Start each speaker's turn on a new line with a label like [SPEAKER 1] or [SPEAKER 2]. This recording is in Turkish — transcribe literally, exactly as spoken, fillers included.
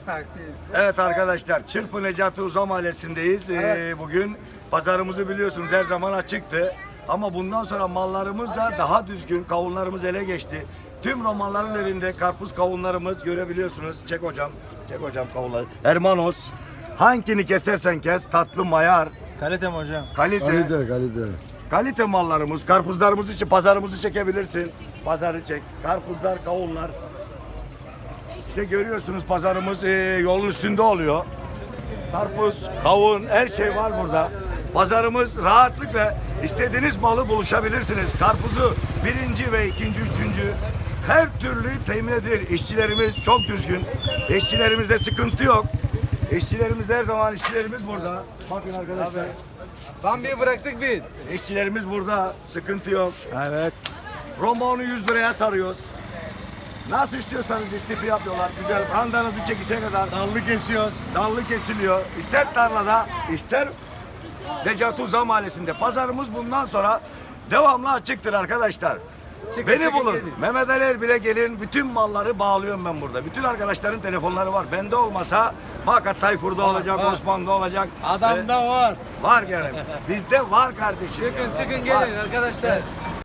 [SPEAKER 1] Evet arkadaşlar, Çırpı Necati Uzan Mahallesi'ndeyiz.
[SPEAKER 2] Evet.
[SPEAKER 1] Ee, bugün pazarımızı biliyorsunuz her zaman açıktı. Ama bundan sonra mallarımız da daha düzgün, kavunlarımız ele geçti. Tüm romanların elinde karpuz kavunlarımız görebiliyorsunuz. Çek hocam, çek hocam kavunları. Hermanos, hangini kesersen kes, tatlı mayar,
[SPEAKER 2] Kalite mi hocam?
[SPEAKER 1] kalite, kalite,
[SPEAKER 3] Kalite kalite.
[SPEAKER 1] mallarımız, karpuzlarımız için pazarımızı çekebilirsin. Pazarı çek, karpuzlar, kavunlar. İşte görüyorsunuz pazarımız e, yolun üstünde oluyor. Karpuz, kavun, her şey var burada. Pazarımız rahatlıkla istediğiniz malı buluşabilirsiniz. Karpuzu birinci ve ikinci, üçüncü her türlü temin edilir. İşçilerimiz çok düzgün. İşçilerimizde sıkıntı yok. İşçilerimiz her zaman işçilerimiz burada. Bakın arkadaşlar.
[SPEAKER 2] Bambi'yi bıraktık biz.
[SPEAKER 1] İşçilerimiz burada. Sıkıntı yok.
[SPEAKER 2] Evet.
[SPEAKER 1] Rombonu yüz liraya sarıyoruz. Nasıl istiyorsanız istifi yapıyorlar. Güzel. Randanızı çekişe kadar.
[SPEAKER 3] Dallı kesiyoruz.
[SPEAKER 1] Dallı kesiliyor. İster tarlada, ister Necati Uzan Mahallesi'nde. Pazarımız bundan sonra devamlı açıktır arkadaşlar.
[SPEAKER 2] Çıkın,
[SPEAKER 1] Beni
[SPEAKER 2] çıkın,
[SPEAKER 1] bulun.
[SPEAKER 2] gelin.
[SPEAKER 1] Mehmet Ali Erbil'e gelin. Bütün malları bağlıyorum ben burada. Bütün arkadaşların telefonları var. Bende olmasa Makat Tayfur'da olacak,
[SPEAKER 3] var.
[SPEAKER 1] Osman'da olacak.
[SPEAKER 3] Adamda var.
[SPEAKER 1] Var gene. Bizde var kardeşim.
[SPEAKER 2] Çıkın
[SPEAKER 1] ya.
[SPEAKER 2] çıkın
[SPEAKER 1] Var.
[SPEAKER 2] gelin arkadaşlar.